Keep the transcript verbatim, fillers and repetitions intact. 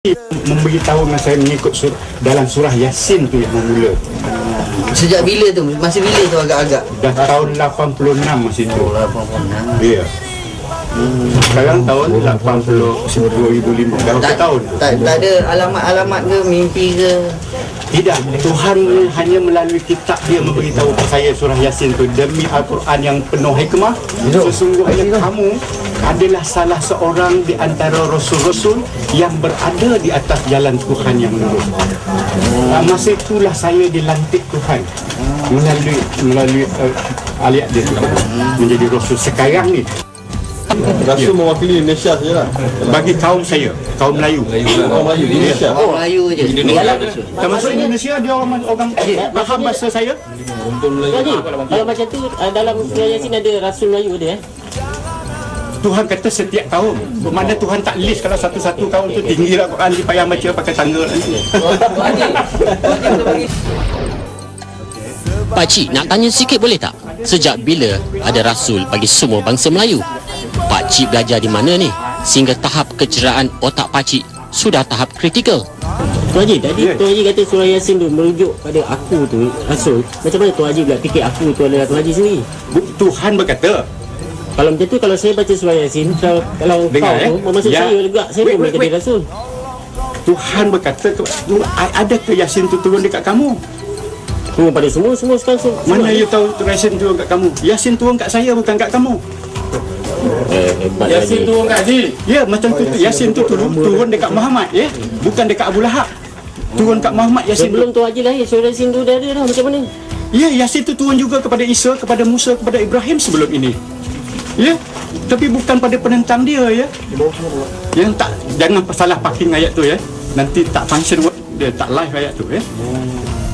memberitahu dengan saya mengikut sur, dalam surah Yasin tu yang memula. Sejak bila tu? Masih bila tu agak-agak? Dah tahun lapan puluh enam masa tu. Oh, lapan puluh enam. Ya. Hmm. Sekarang tahun lapan puluh dua ribu lima berapa Tak, tahun? tak, tak ada alamat-alamat ke, mimpi ke? Tidak, Tuhan hanya melalui kitab dia memberitahu kepada saya surah Yasin tu, demi Al-Quran yang penuh hikmah, sesungguhnya kamu adalah salah seorang di antara rasul-rasul yang berada di atas jalan Tuhan yang lurus. Hmm. Masa itulah saya dilantik Tuhan melalui melalui uh, ayat dia tu menjadi rasul. Sekarang ni Rasul mewakili Indonesia sajalah. bagi kaum saya, kaum Melayu. Orang Melayu di Indonesia. Oh, Melayu je. Indonesia. Termasuk Indonesia, dia orang orang faham bahasa saya. Jadi, kalau macam tu dalam surah Yasin ada Rasul Melayu dia eh? Tuhan kata setiap kaum. Bermakna Tuhan tak list kalau satu-satu kaum tu tinggilah Quran dia payah baca pakai tangga nanti. Pakcik, nak tanya sikit boleh tak? Sejak bila ada Rasul bagi semua bangsa Melayu? Pakcik belajar di mana ni? Sehingga tahap kecerdasan otak pakcik sudah tahap kritikal. Tuan Haji, tadi Ya. Tuan Haji kata surah Yasin tu merujuk pada aku tu, Rasul. Macam mana Tuan Haji pula fikir aku tu adalah Tuan Haji sendiri? Tuhan berkata, Kalau macam tu, kalau saya baca surah Yasin, kalau, kalau dengar kau eh. tu, maksud Ya. saya juga, saya Wait, pun boleh wait, jadi wait. Rasul. Tuhan berkata, ada ke Yasin tu turun dekat kamu? Turun pada semua, semua sekarang semua. Mana you tahu Yasin turun kat kamu? Yasin turun kat saya, bukan kat kamu. Eh, hebat Yasin Haji. turun kat Haji. Ya, macam tu. Yasin tu turun, turun dekat Muhammad, ya. Bukan dekat Abu Lahab. Turun kat Muhammad Yasin tu. Sebelum Tuan Haji lahir, surah Yasin tu dah ada dah, macam mana? Ya, Yasin tu turun juga kepada Isa, kepada Musa, kepada Ibrahim sebelum ini. Ya, tapi bukan pada penentang dia, ya. Yang tak, jangan salah parking ayat tu, ya. Nanti tak function, dia tak live ayat tu, ya.